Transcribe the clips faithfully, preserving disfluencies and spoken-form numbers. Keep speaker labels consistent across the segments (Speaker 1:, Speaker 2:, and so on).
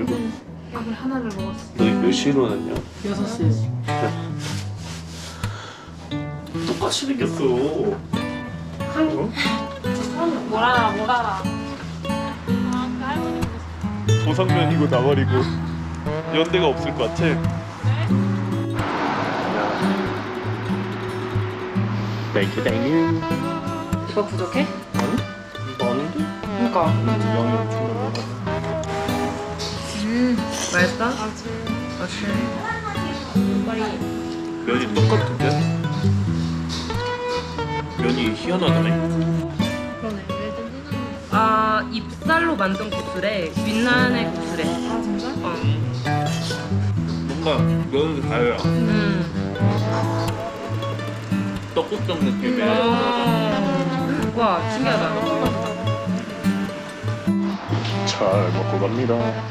Speaker 1: 밥을 하나를 먹었어.
Speaker 2: 너 몇 시에 일어났냐?
Speaker 1: 여섯 시.
Speaker 2: 똑같이 생겼어.
Speaker 1: 한
Speaker 2: 어?
Speaker 1: 뭘 알아 뭘 알아. 아 그 할머니 보고 싶어.
Speaker 2: 도상면이고 나발이고 연대가 없을 것 같아. 땡큐 땡큐.
Speaker 1: 이거 부족해?
Speaker 2: 아니? 이거 아닌데?
Speaker 1: 그러니까.
Speaker 2: 양이 엄청 많아.
Speaker 1: 음 맛있다? 아주 맛있어.
Speaker 2: 면이 똑같은데? 면이 희한하다네.
Speaker 1: 그러네.
Speaker 3: 아 잎살로 만든 국수래. 빛나는 국수래.
Speaker 1: 아 진짜?
Speaker 3: 어.
Speaker 2: 뭔가 면은 달라.
Speaker 3: 음.
Speaker 2: 떡국떡 느낌이야.
Speaker 3: 음. 와 신기하다.
Speaker 2: 잘 먹고 갑니다.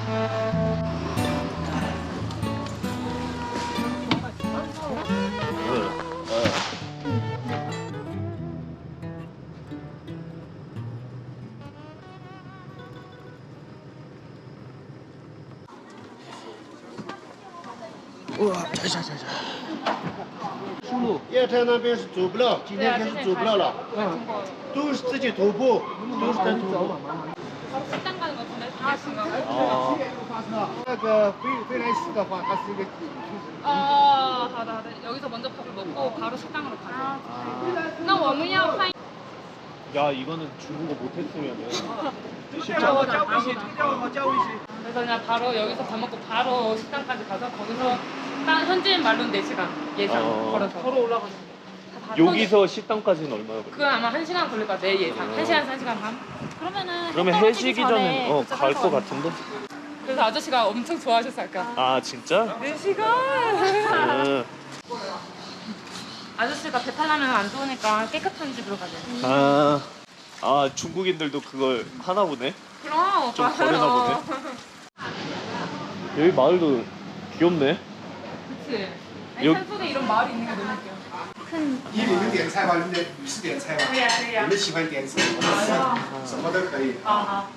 Speaker 2: 우와, 자자자자.
Speaker 4: 叶台那边是走不了，今天开始走不了了，都是自己徒步，都是在徒步。
Speaker 3: 식당 가는 거 같은데? 아 지금.
Speaker 2: 아,
Speaker 4: 那个飞飞来寺的话，它是一个景区。
Speaker 3: 아, 好的好的. 여기서 먼저 밥을 먹고 바로 식당으로 가자. 나我们要换
Speaker 2: 야 이거는 중국어 못했으면은 쉽지
Speaker 4: 叫我
Speaker 2: 않아.
Speaker 4: 加微信，叫我加微信。
Speaker 3: 그래서 그냥 바로 여기서 밥 먹고 바로 식당까지 가서 거기서 딱 현지인 말로는 네 시간 예상
Speaker 2: 어.
Speaker 3: 걸어서
Speaker 1: 걸어 올라가는 거.
Speaker 2: 여기서 식당까지는 얼마나 걸려?
Speaker 3: 그건 아마 한 시간 걸릴 것 같아 내 예상. 한 시간 한 시간 반.
Speaker 1: 그러면은
Speaker 2: 그러면
Speaker 1: 해 떨어지기
Speaker 2: 해지기
Speaker 1: 전에
Speaker 2: 전에 어,
Speaker 1: 도착할
Speaker 2: 갈
Speaker 1: 것
Speaker 2: 것
Speaker 1: 같아.
Speaker 2: 같은데?
Speaker 3: 그래서 아저씨가 엄청 좋아하셨어 아까.
Speaker 2: 아 진짜?
Speaker 3: 네 시간.
Speaker 2: 음.
Speaker 3: 아저씨가 배탈 나면 안 좋으니까 깨끗한 집으로 가자.
Speaker 2: 아, 아 중국인들도 그걸 하나 보네?
Speaker 3: 그럼
Speaker 2: 좀
Speaker 3: 오빠.
Speaker 2: 거르나 보네.
Speaker 3: 어.
Speaker 2: 여기 마을도 귀엽네.
Speaker 3: 그치. 아니,
Speaker 2: 여-
Speaker 3: 산속에 이런 마을이 있는 게 너무 웃겨.
Speaker 4: 依你们点菜吧，你们女士点菜吧。
Speaker 3: 可以啊可以啊
Speaker 4: 你们喜欢点什么？什么都可以。
Speaker 3: 아,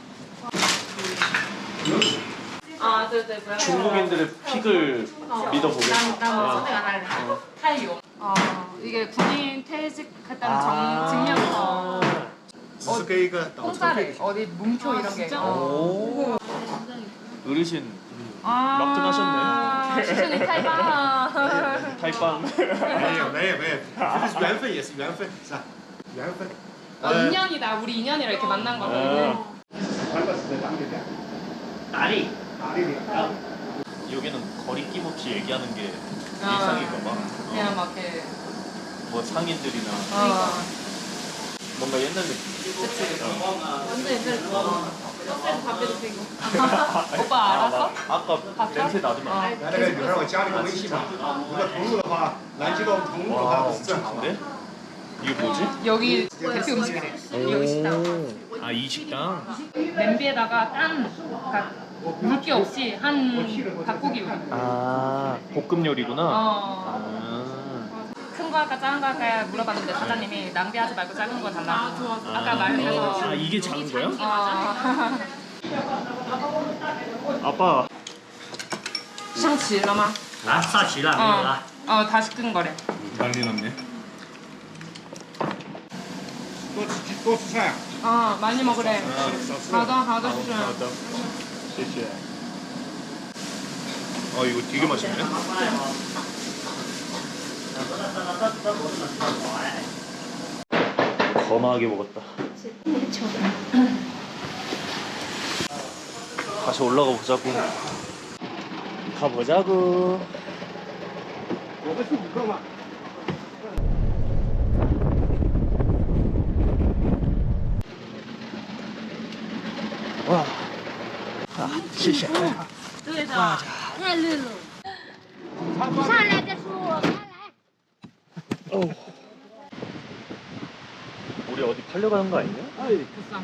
Speaker 3: 아, 对对，不要
Speaker 2: 중국인들의 픽을 믿어보겠어.
Speaker 3: 나 선택 안 할래. 타이용. 아, 이게 군인 퇴직했다는
Speaker 2: 아.
Speaker 3: 정, 증명서.
Speaker 4: 只是给一个导车费
Speaker 3: 공짜래. 。 어디 문표 이런 게. 어.
Speaker 2: 오. 어르신
Speaker 3: 아,
Speaker 2: 막든하셨네.
Speaker 3: 시즌이 타이방.
Speaker 2: 타이빵.
Speaker 4: 没有没有没有，这是缘分也是缘分，是吧？缘分。
Speaker 3: 어, 인연이다. 우리 인연이라 이렇게 만난 거는.
Speaker 2: 아.
Speaker 4: 韩国是在哪里的？
Speaker 2: 나리.
Speaker 4: 哪里的？
Speaker 2: 여기는 거리낌 없이 얘기하는 게
Speaker 3: 아.
Speaker 2: 일상인가 봐.
Speaker 3: 그냥 막 이렇게.
Speaker 2: 뭐 상인들이나
Speaker 3: 어.
Speaker 2: 뭔가 옛날 느낌.
Speaker 3: 그치.
Speaker 1: 완전 옛날에 버스에서 담배도 피고.
Speaker 3: 오빠 알았어?
Speaker 2: 아, 아까 냄새 나더만.
Speaker 4: 来那个女孩，我加你个微信吧。如果投入的话，南极洞投入的
Speaker 2: 와
Speaker 4: 话不是正好吗？
Speaker 2: 엄청 큰데? 이게 뭐지?
Speaker 3: 여기 대표 음식이래. 여기 식당.
Speaker 2: 아 이 식당?
Speaker 3: 냄비에다가 딴, 그러니까 물기 없이 한 닭고기 요리.
Speaker 2: 아 볶음 요리구나.
Speaker 3: 어.
Speaker 2: 아.
Speaker 3: 큰 거 할까 작은 거 할까 물어봤는데 사장님이 낭비하지 말고 작은 거 달라고. 아, 좋아. 아까 말해서.
Speaker 2: 아 이게 작은 거야?
Speaker 3: 어.
Speaker 2: 아빠
Speaker 3: 上齐了吗?
Speaker 5: 啊，上齐了，没有了。
Speaker 3: 어, 어, 다 식은 거래.
Speaker 2: 난리 났네.
Speaker 4: 多吃多吃菜。
Speaker 3: 어, 많이 먹으래.
Speaker 4: 少吃。
Speaker 3: 好的,好的,
Speaker 2: 아,
Speaker 3: 수준.
Speaker 2: 맞다.谢谢. 아 이거 되게 맛있네. 거나하게 먹었다. 다시 올라가 보자고. 가보자고.
Speaker 4: 我们是五个嘛。
Speaker 2: 와. 아, 谢谢.
Speaker 1: 对的，太累了。上来再说我开来。
Speaker 2: 어. 우리 어디 팔려가는 거 아니냐?
Speaker 3: 비싸.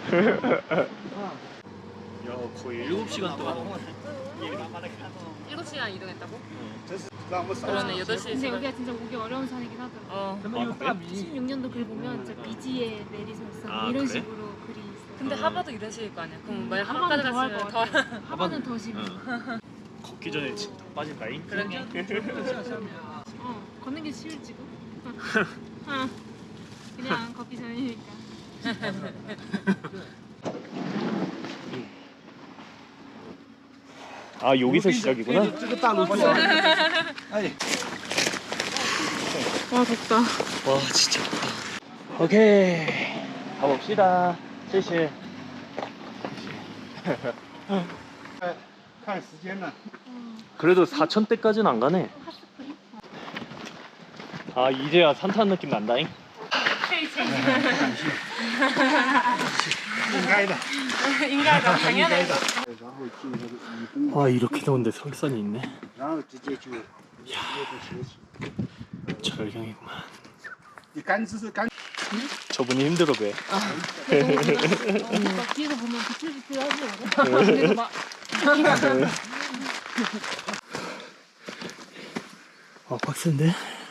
Speaker 2: 야 거의 일곱 시간 동안
Speaker 3: 일곱 시간 이동했다고?
Speaker 4: 真是让我们少
Speaker 3: 그러네, 여덟 시
Speaker 1: 근데
Speaker 3: 지금.
Speaker 1: 여기가 진짜 오기 어려운 산이긴 하더라.
Speaker 3: 어.
Speaker 2: 아, 그래?
Speaker 1: 십육 년도 글 보면 진짜 비지에 내리설산
Speaker 2: 아,
Speaker 1: 이런
Speaker 2: 그래?
Speaker 1: 식으로 글이 있어.
Speaker 3: 근데
Speaker 2: 어.
Speaker 3: 하버도 이러실 거 아니야. 그럼 만약
Speaker 1: 하버는
Speaker 3: 하버까지
Speaker 1: 더할
Speaker 3: 갔으면
Speaker 1: 것
Speaker 3: 더.
Speaker 1: 같아. 하버는 더 심해.
Speaker 2: 어. 걷기 전에 진짜 빠질까잉?
Speaker 3: 그러게.
Speaker 1: 어, 걷는 게 쉬울지도. 어, 그냥 걷기 전이니까.
Speaker 2: 아 여기서 시작이구나.
Speaker 3: 와 덥다.
Speaker 2: 와 진짜. 오케이 가봅시다.谢谢.
Speaker 4: 看时间呢。
Speaker 2: 그래도 사천대까지는 안 가네. 아 이제야 산타는 느낌 난다잉.
Speaker 4: 应该的。
Speaker 3: 인가가 당연해.
Speaker 4: 然后进那个雨宫，
Speaker 2: 와 이렇게 더운데 설산이 있네.
Speaker 4: 然后直接就直接就休息。
Speaker 2: 절경이구만.
Speaker 4: 你干姿是干。
Speaker 2: 저분이 힘들어 배.
Speaker 1: 막 뒤에서 보면 비틀비틀 하지. 그래서 막
Speaker 2: 아 빡센데?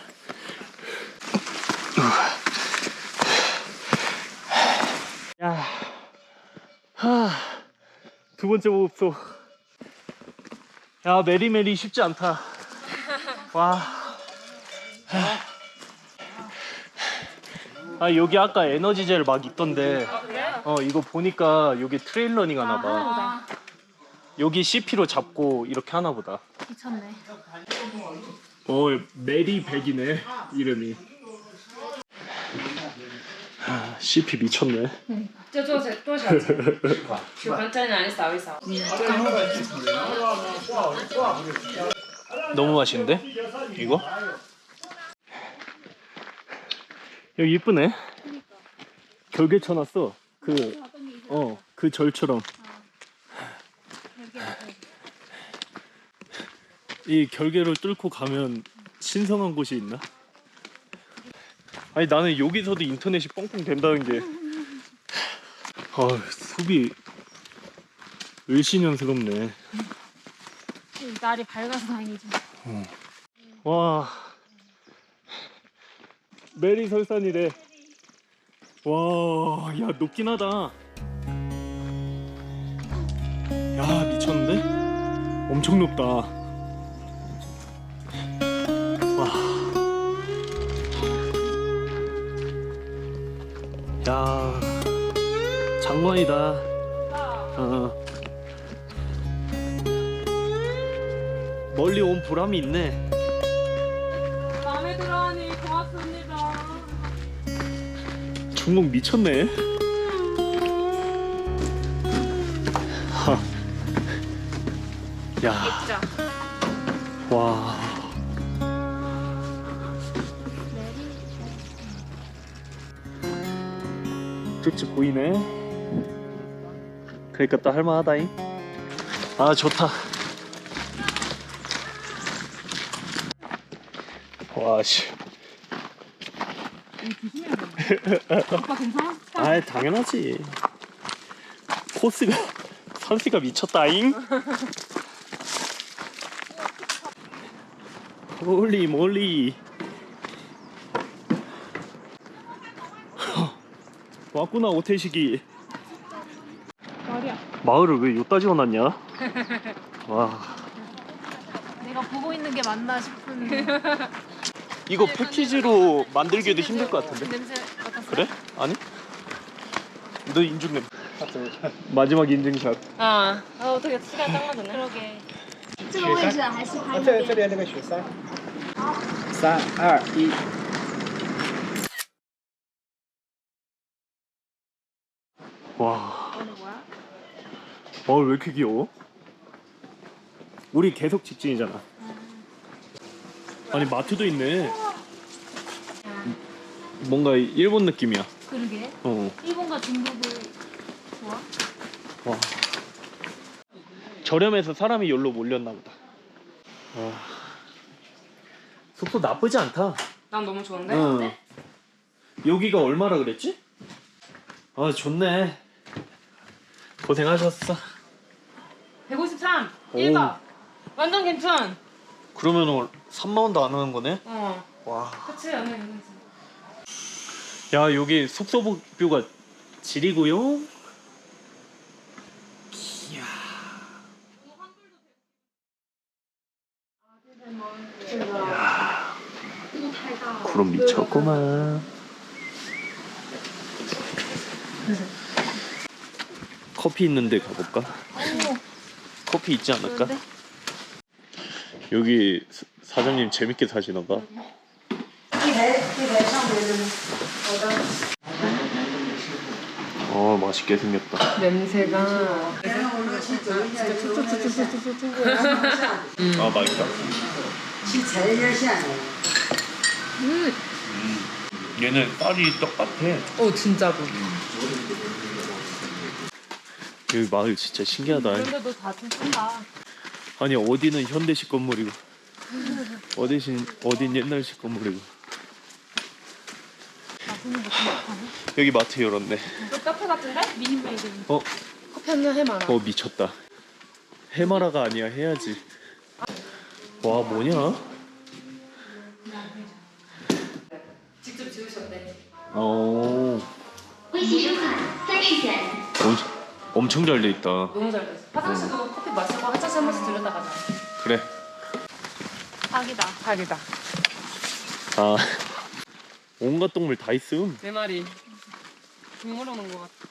Speaker 2: 야, 하, 두 번째 목표. 야 메리메리 쉽지 않다. 와. 아 여기 아까 에너지젤 막 있던데. 어 이거 보니까 여기 트레일러닝 하나 봐. 여기 씨피로 잡고 이렇게 하나 보다.
Speaker 1: 미쳤네.
Speaker 2: 어 메리 백이네 이름이. 아 씨피 미쳤네.
Speaker 3: 就多少多少钱？喜欢真人扫一扫。
Speaker 2: 너무 맛있는데? 이거? 여기 이쁘네. 결계 쳐놨어. 그, 어, 그 절처럼. 이 결계를 뚫고 가면 신성한 곳이 있나? 아니 나는 여기서도 인터넷이 뻥뻥 된다는 게 아, 숲이 을씨년스럽네.
Speaker 1: 날이 밝아서 다행이지.
Speaker 2: 와 메리 설산이래. 와, 야 높긴 하다. 야 미쳤는데? 엄청 높다. 와. 야 장관이다. 어. 멀리 온 보람이 있네.
Speaker 3: 마음에 들어하니 고맙습니다.
Speaker 2: 중국 미쳤네. 하. 야.
Speaker 3: 진짜.
Speaker 2: 와. 쭉쭉 보이네. 그러니까 또 할만하다잉. 아 좋다. 와씨.
Speaker 1: 오빠 괜찮아?
Speaker 2: 아 당연하지. 코스가 선수가 미쳤다잉. 홀리 몰리. 왔구나 오태식이.
Speaker 1: 말이야.
Speaker 2: 마을을 왜 요따 지어놨냐? 와.
Speaker 1: 내가 보고 있는 게 맞나 싶은.
Speaker 2: 이거 패키지로 만들기도 힘들 것 같은데?
Speaker 1: 냄새 맡았어?
Speaker 2: 그래? 아니? 너 인중 냄. 마지막 인증샷.
Speaker 3: 아, 아 어떻게 시간 딱 맞네.
Speaker 1: 그러게. 这个位置还是拍
Speaker 4: 这这边那个雪山。三二一。
Speaker 2: 와.
Speaker 1: 오늘 뭐야?
Speaker 2: 어, 왜 이렇게 귀여워? 우리 계속 직진이잖아. 아니 마트도 있네. 뭔가 일본 느낌이야.
Speaker 1: 그러게.
Speaker 2: 어.
Speaker 1: 일본과 중국을 좋아?
Speaker 2: 와. 저렴해서 사람이 여기로 몰렸나 보다. 와. 숙소 나쁘지 않다.
Speaker 3: 난 너무 좋은데?
Speaker 2: 응. 여기가 얼마라 그랬지? 아 좋네. 고생하셨어.
Speaker 3: 백오십삼.
Speaker 2: 오.
Speaker 3: 일 박. 완전 괜찮.
Speaker 2: 그러면은 삼만 원도 안 하는 거네?
Speaker 3: 어.
Speaker 2: 와.
Speaker 3: 그치 완전 괜찮지.
Speaker 2: 야 여기 숙소 뷰가 지리고요. 구름 미쳤구만. 커피 있는데 가볼까? 커피 있지 않을까? 여기 사- 사장님 재밌게 사시나 봐. 어 맛있게 생겼다.
Speaker 3: 냄새가.
Speaker 2: 아 맛있다. 음. 얘는 쌀이 똑같아.
Speaker 3: 어 진짜로.
Speaker 2: 여기 마을 진짜 신기하다.
Speaker 3: 그런데도 다 좀 큰다.
Speaker 2: 아니 어디는 현대식 건물이고 어디신 어딘 옛날식 건물이고. 여기 마트 열었네.
Speaker 3: 또 카페 같은데? 미니메이드.
Speaker 2: 어?
Speaker 3: 커피 한잔 해봐라.
Speaker 2: 어 미쳤다. 해마라가 아니야 해야지. 와 뭐냐?
Speaker 3: 직접 지으셨대.
Speaker 2: 어
Speaker 5: 微信收款三十元。
Speaker 2: 엄청 엄청 잘 돼 있다.
Speaker 3: 너무 잘 됐어. 화장 씨도 커피 마시고 화장실 한 번씩 들렸다 가자.
Speaker 2: 그래.
Speaker 3: 사기다. 사기다.
Speaker 2: 아 온갖 동물 다 있음.
Speaker 3: 내 말이. 동물 오는 것 같아.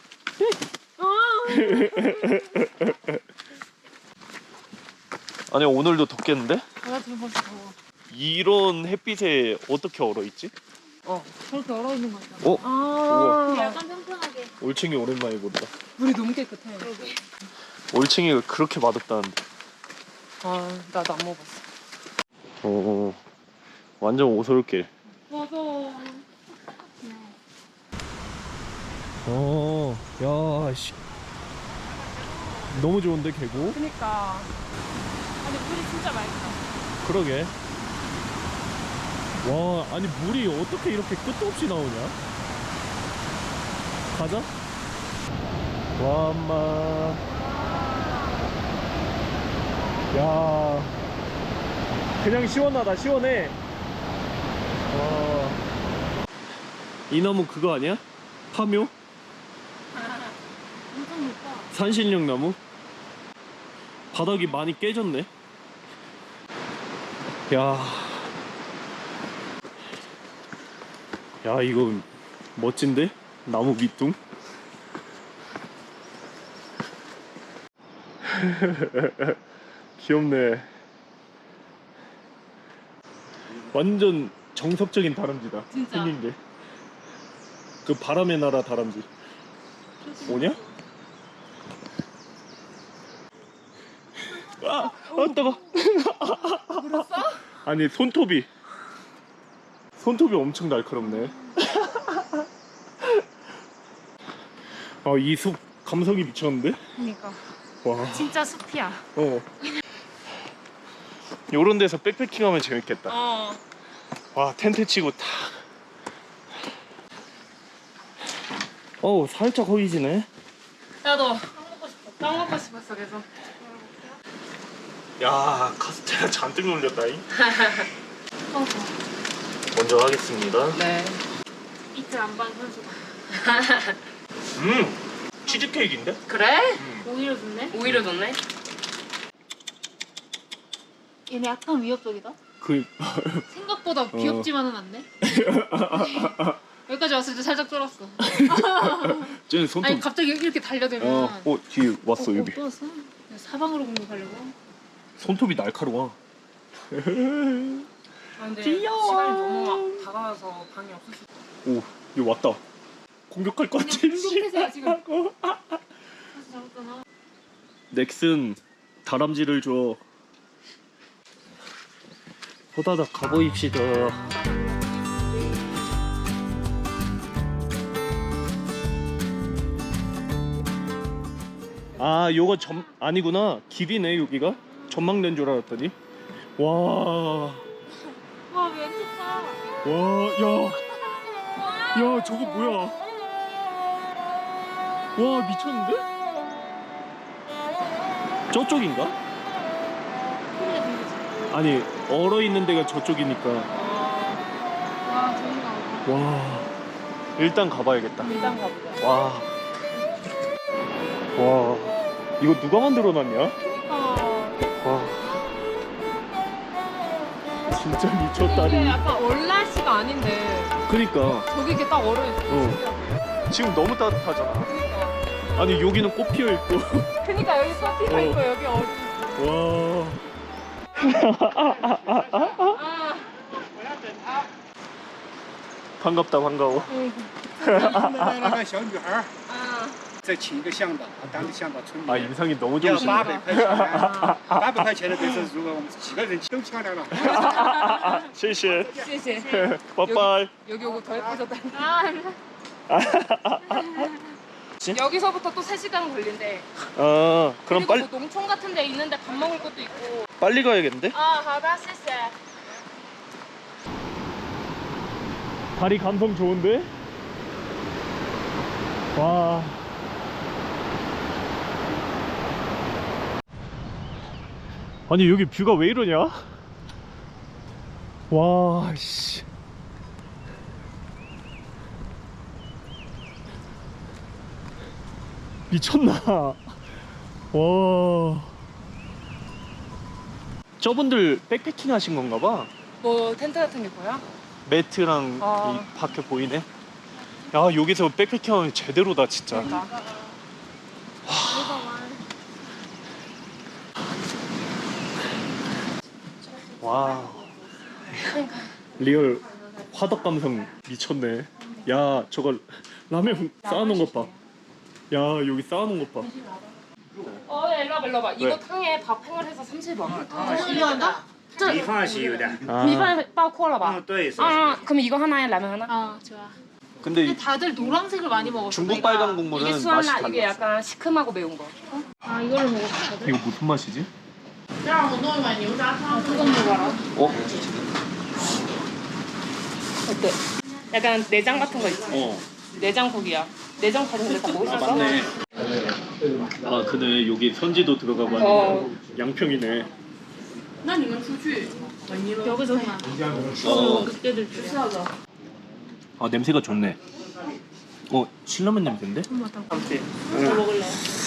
Speaker 2: 아니 오늘도 덥겠는데?
Speaker 3: 나 지금 벌써 더워.
Speaker 2: 이런 햇빛에 어떻게 얼어 있지?
Speaker 3: 어.
Speaker 1: 저렇게 얼어 있는 거죠.
Speaker 2: 어?
Speaker 3: 아.
Speaker 1: 약간 평평하게.
Speaker 2: 올챙이 오랜만에 본다.
Speaker 3: 물이 너무 깨끗해.
Speaker 2: 올챙이가 그렇게 맛없다는데.
Speaker 3: 아, 나도 안 먹었어.
Speaker 2: 어, 완전 오솔길.
Speaker 3: 맞아.
Speaker 2: 어, 야, 씨. 너무 좋은데 계곡?
Speaker 3: 그니까. 아니 물이 진짜 맑다.
Speaker 2: 그러게. 와, 아니 물이 어떻게 이렇게 끝도 없이 나오냐? 가자. 와, 엄마. 야, 그냥 시원하다, 시원해. 와. 이 나무 그거 아니야? 파묘?
Speaker 1: 엄청 높아.
Speaker 2: 산신령 나무? 바닥이 많이 깨졌네. 야, 야 이거 멋진데? 나무 밑둥? 귀엽네. 완전 정석적인 다람쥐다.
Speaker 3: 진짜.
Speaker 2: 생긴 게. 그 바람의 나라 다람쥐. 뭐냐? 아, 아 뜨거.
Speaker 3: 물었어?
Speaker 2: 아니 손톱이 손톱이 엄청 날카롭네. 아, 이 숲 감성이 미쳤는데?
Speaker 3: 그니까.
Speaker 2: 와.
Speaker 3: 진짜 숲이야.
Speaker 2: 어. 요런 데서 백패킹하면 재밌겠다.
Speaker 3: 어.
Speaker 2: 와, 텐트 치고 탁. 어우, 살짝 허기지네.
Speaker 3: 나도 빵 먹고 싶어. 빵 먹고 싶었어 계속.
Speaker 2: 야, 카스테라 잔뜩 놀렸다잉. 먼저 하겠습니다.
Speaker 3: 네.
Speaker 1: 이틀 안반 선수가.
Speaker 2: 음, 치즈케이크인데?
Speaker 3: 그래?
Speaker 1: 오히려 좋네.
Speaker 3: 오히려 좋네.
Speaker 1: 얘네 약간 위협적이다.
Speaker 2: 그
Speaker 1: 생각보다 귀엽지만은 않네. 여기까지 왔을 때 살짝 쫄았어.
Speaker 2: 쟤는 손톱.
Speaker 1: 아니 갑자기 이렇게 달려들면.
Speaker 2: 어, 어 뒤에 왔어
Speaker 1: 어,
Speaker 2: 여기.
Speaker 1: 어, 또 왔어? 사방으로 공격하려고.
Speaker 2: 손톱이 날카로워.
Speaker 3: 아, 근데
Speaker 2: 귀여워.
Speaker 3: 시간이 너무 막 다가와서 방이 없을 수.
Speaker 2: 오, 여기 왔다. 공격할 것 같아.
Speaker 1: 공격해서요, 지금. 사실 잡았잖아.
Speaker 2: 넥슨 다람쥐를 줘. 호다닥 가보입시다. 아, 요거 점 아니구나. 길이네 여기가. 전망된 줄 알았더니. 와,
Speaker 1: 와, 왼쪽다.
Speaker 2: 와, 야, 야, 저거 뭐야? 와, 미쳤는데? 저쪽인가?
Speaker 1: 소리가 들리지?
Speaker 2: 아니, 얼어 있는 데가 저쪽이니까.
Speaker 1: 와, 저긴가 보다.
Speaker 2: 와, 일단 가봐야겠다.
Speaker 3: 일단 가보자.
Speaker 2: 와, 와, 이거 누가 만들어놨냐?
Speaker 1: 아,
Speaker 2: 와, 진, 진짜
Speaker 3: 이게
Speaker 2: 미쳤다니.
Speaker 3: 약간 얼라시가 아닌데
Speaker 2: 그니까.
Speaker 3: 저기 이렇게 딱 얼어있어.
Speaker 2: 어. 지금 너무 따뜻하잖아.
Speaker 3: 그니까.
Speaker 2: 아니 여기는 꽃 피어 있고.
Speaker 3: 그니까 여기 커피가
Speaker 2: 어.
Speaker 3: 있고 여기 얼음.
Speaker 2: 와.
Speaker 3: 아,
Speaker 2: 반갑다 반가워.
Speaker 6: 那个小女孩儿
Speaker 3: 아.
Speaker 6: 再请一个向导，啊，当地向导村里
Speaker 2: 아
Speaker 6: 面
Speaker 2: 인상이 너무
Speaker 6: 要
Speaker 2: 좋으시네.
Speaker 6: 八百块钱，八百块钱的就是如果我们几个人都漂亮了。
Speaker 2: 谢谢.
Speaker 3: 谢谢.
Speaker 2: 빠빠이.
Speaker 3: 여기 오고 더 예뻐졌다.
Speaker 2: 아,
Speaker 3: 여기서부터 또 세 시간 걸린대.
Speaker 2: 아 그럼
Speaker 3: 그리고
Speaker 2: 빨리
Speaker 3: 뭐 농촌 같은 데 있는데 밥 먹을 것도 있고.
Speaker 2: 빨리 가야겠는데?
Speaker 3: 아, 好的,谢谢.
Speaker 2: 다리 감성 좋은데? 와. 아니 여기 뷰가 왜 이러냐? 와 씨. 미쳤나? 와. 저분들 백패킹 하신 건가 봐.
Speaker 3: 뭐 텐트 같은 게 보여?
Speaker 2: 매트랑
Speaker 3: 어.
Speaker 2: 이 밖에 보이네. 야 여기서 백패킹하면 제대로다 진짜.
Speaker 3: 그러니까.
Speaker 2: 와. 리얼 화덕 감성 미쳤네. 야 저거 라면 쌓아놓은 것 봐. 야 여기 쌓아놓은 것 봐.
Speaker 3: 어, 야, 일로 와봐, 일로 와봐.
Speaker 2: 왜?
Speaker 3: 이거 탕에 밥 팽을 해서 삼십 원.
Speaker 6: 米饭是有的，
Speaker 2: 아.
Speaker 3: 米饭包括了吧?
Speaker 6: 嗯，对，是
Speaker 3: 아, 그럼 이거 하나에 라면 하나?
Speaker 1: 어 좋아.
Speaker 2: 근데
Speaker 1: 근데 다들 노란색을 많이 먹었어.
Speaker 2: 중국
Speaker 1: 내가.
Speaker 2: 빨간
Speaker 3: 이게
Speaker 2: 국물은 맛이
Speaker 3: 수완라,
Speaker 2: 달라.
Speaker 3: 이게 약간 시큼하고 매운 거.
Speaker 1: 아 이거를 먹었거든.
Speaker 2: 이거 무슨 맛이지?
Speaker 1: 让我弄一碗牛杂汤。 그거 먹어라.
Speaker 2: 어?
Speaker 3: 어때? 약간 내장 같은 거 있지?
Speaker 2: 어.
Speaker 3: 내장국이야. 내장 다른 데다 먹을 수 있어?
Speaker 2: 아 근데 여기 선지도 들어가고
Speaker 3: 어.
Speaker 2: 하니까 양평이네.
Speaker 1: 那你们出去 여기서 해.
Speaker 2: 어.
Speaker 1: 그때들 줄.
Speaker 2: 아 냄새가 좋네. 어 신라면 냄새인데?
Speaker 3: 그렇지.
Speaker 1: 뭐 먹을래?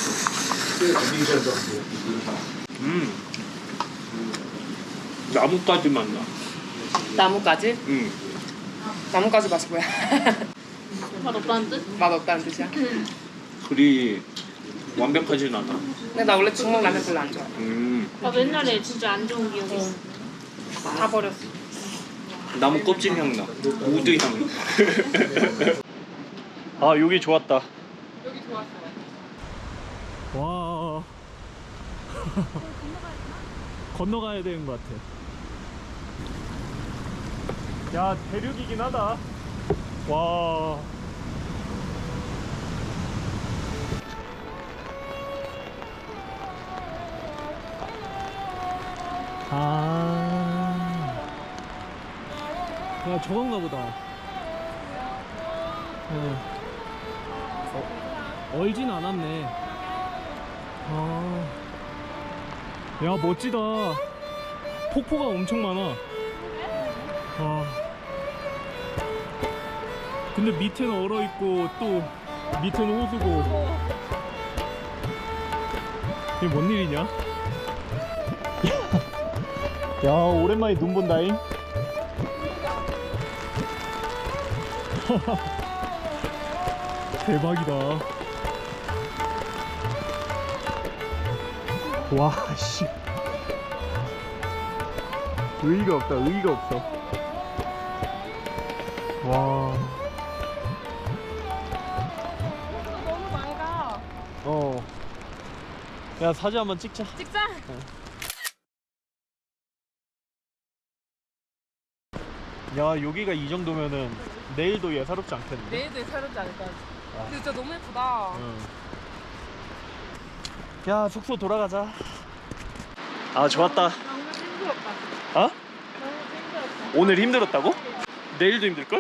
Speaker 2: 음. 나뭇가지 맛 나.
Speaker 3: 나뭇가지?
Speaker 2: 음.
Speaker 3: 나뭇가지 맛이 뭐야?
Speaker 1: 맛 없다는 뜻?
Speaker 3: 맛 없다는 뜻이야?
Speaker 2: 그리 완벽하진 않아.
Speaker 3: 근데 나 원래 중국 라면 별로 안 좋아해.
Speaker 2: 음.
Speaker 1: 나 옛날에 진짜 안 좋은 기억이 있어.
Speaker 3: 다 버렸어.
Speaker 2: 나무 껍질 향 나. 우드 향. 아 여기 좋았다.
Speaker 3: 여기 좋았어.
Speaker 2: 와. 건너가야 되는 것 같아. 야 대륙이긴 하다. 와. 아. 야 저건가 보다. 어. 어, 얼진 않았네. 아. 야 멋지다. 폭포가 엄청 많아. 아. 근데 밑에는 얼어 있고 또 밑에는 호수고. 이게 뭔 일이냐? 야 오랜만에 눈 본다잉. 대박이다. 와 씨. 의의가 없다. 의의가 없어. 와.
Speaker 3: 너무 맑아.
Speaker 2: 어. 야 사진 한번 찍자.
Speaker 3: 찍자.
Speaker 2: 야 여기가 이 정도면은 내일도 예사롭지 않겠는데?
Speaker 3: 내일도 예사롭지 않을까? 근데 진짜 너무 예쁘다.
Speaker 2: 응. 야 숙소 돌아가자. 아 좋았다.
Speaker 1: 너무 힘들었다.
Speaker 2: 어?
Speaker 1: 너무 힘들었다.
Speaker 2: 오늘 힘들었다고? 내일도 힘들걸?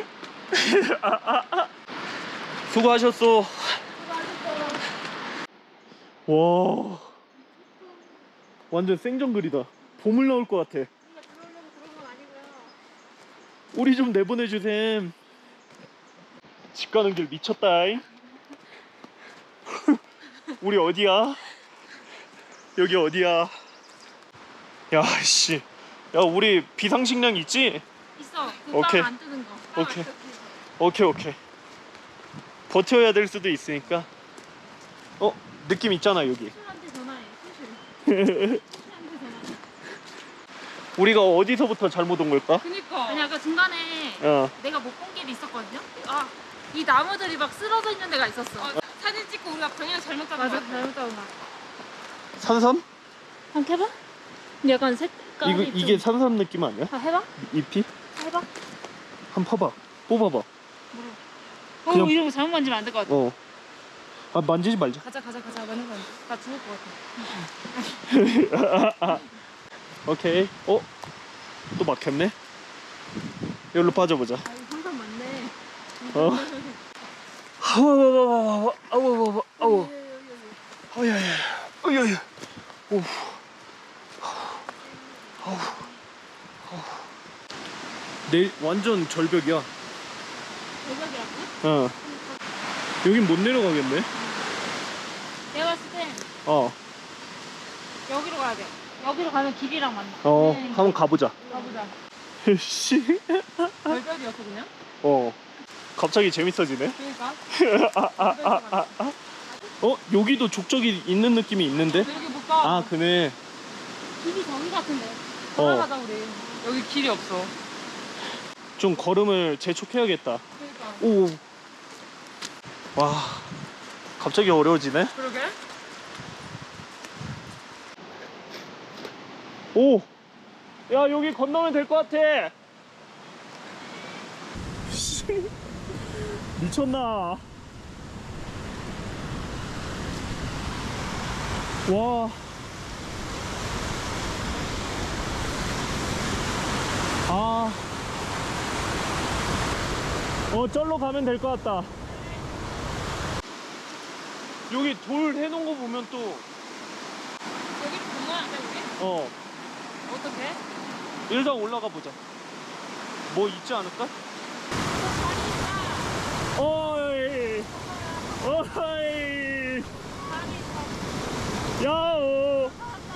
Speaker 2: 수고하셨어. 와 완전 생정글이다. 보물 나올 것 같아. 우리 좀 내보내주셈. 집 가는 길 미쳤다잉. 우리 어디야? 여기 어디야? 야씨 야 우리 비상식량 있지?
Speaker 1: 있어.
Speaker 2: 오케이.
Speaker 1: 그빵안 뜨는 거.
Speaker 2: 오케이. 오케이 오케이. 버텨야 될 수도 있으니까. 어 느낌 있잖아 여기.
Speaker 1: 수술한테 전화해. 수술. 수술한테 전화해.
Speaker 2: 우리가 어디서부터 잘못 온 걸까?
Speaker 3: 그니까.
Speaker 1: 아니 아까 중간에
Speaker 2: 어.
Speaker 1: 내가 못 본 길이 있었거든요. 아, 이 나무들이 막 쓰러져 있는 데가 있었어.
Speaker 3: 어, 사진 찍고 우리가 방향 잘못 잡은
Speaker 1: 맞아,
Speaker 3: 거
Speaker 1: 잘못 잡은 거.
Speaker 2: 산삼?
Speaker 1: 한번 해봐. 근데 약간 색깔이
Speaker 2: 이거
Speaker 1: 좀...
Speaker 2: 이게 산삼 느낌 아니야?
Speaker 1: 아, 해봐.
Speaker 2: 잎이?
Speaker 1: 해봐.
Speaker 2: 한 봐봐. 뽑아봐.
Speaker 1: 어,
Speaker 2: 그냥-
Speaker 1: 이런 거 잘못 만지면 안 될 것 같아.
Speaker 2: 어. 아 만지지 말자.
Speaker 1: 가자, 가자, 가자. 맞는 거 아니야. 나 죽을 것 같아.
Speaker 2: 오케이. 어? 또 막혔네. 여기로 빠져보자.
Speaker 1: 아, 이거 항상 맞네.
Speaker 2: 어? 아우 아우 아우 아우 아야야 아야야 오 아우 내일 완전 절벽이야.
Speaker 1: 대박이라고?
Speaker 2: 어 여긴 못 내려가겠네.
Speaker 1: 내가 봤을 땐
Speaker 2: 어
Speaker 1: 여기로 가야 돼. 여기로 가면 길이랑 만나.
Speaker 2: 어,
Speaker 1: 네.
Speaker 2: 한번 가보자.
Speaker 1: 가보자.
Speaker 2: 씨.
Speaker 3: 절벽이었어 그냥?
Speaker 2: 어. 갑자기 재밌어지네.
Speaker 3: 그러니까.
Speaker 2: 어, 여기도 족적이 있는 느낌이 있는데?
Speaker 3: 여기 못 가.
Speaker 2: 아, 그네.
Speaker 1: 길이 저기 같은데.
Speaker 2: 어,
Speaker 3: 돌아가자 우리. 여기 길이 없어.
Speaker 2: 좀 걸음을 재촉해야겠다.
Speaker 3: 그러니까.
Speaker 2: 오. 와. 갑자기 어려워지네.
Speaker 3: 그러게?
Speaker 2: 오. 야, 여기 건너면 될 것 같아. 미쳤나? 와. 아. 어, 절로 가면 될 것 같다. 여기 돌 해놓은 거 보면 또,
Speaker 3: 여기 건너야 돼 우리?
Speaker 2: 어,
Speaker 3: 어떻게?
Speaker 2: 일단 올라가 보자. 뭐 있지 않을까? 어이, 어이, 야오.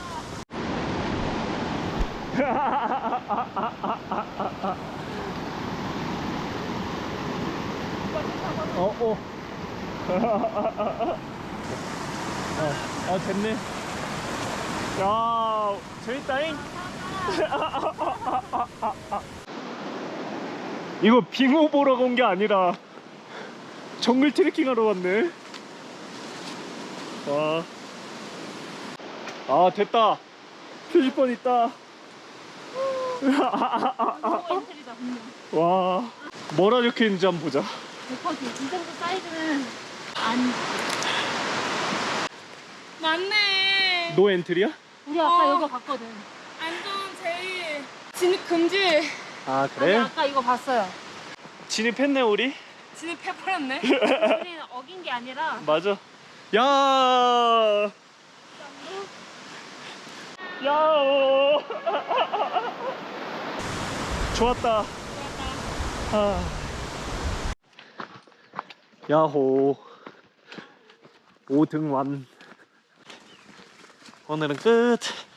Speaker 2: 어, 어. 어, 아, 됐네. 야, 재밌다잉? 이거 빙호 보러 온 게 아니라 정글 트레킹 하러 왔네. 와. 아, 됐다. 표지판 있다.
Speaker 1: 엔트리다, 분명.
Speaker 2: 와. 뭐라 적혀 있는지 한번 보자.
Speaker 1: 백 퍼센트. 이 정도 사이즈는 안.
Speaker 3: 맞네.
Speaker 2: 노 엔트리야?
Speaker 1: 우리 아까
Speaker 3: 어.
Speaker 1: 여기 갔거든.
Speaker 3: 안전 제일 진입 금지.
Speaker 2: 아,
Speaker 1: 아니,
Speaker 2: 그래?
Speaker 1: 아까 이거 봤어요.
Speaker 2: 진입했네, 우리?
Speaker 3: 진입해버렸네.
Speaker 1: 우리는 어긴 게 아니라.
Speaker 2: 맞아. 야. 야오. 좋았다. 아. 야호. 오 등 완. 오늘은 끝.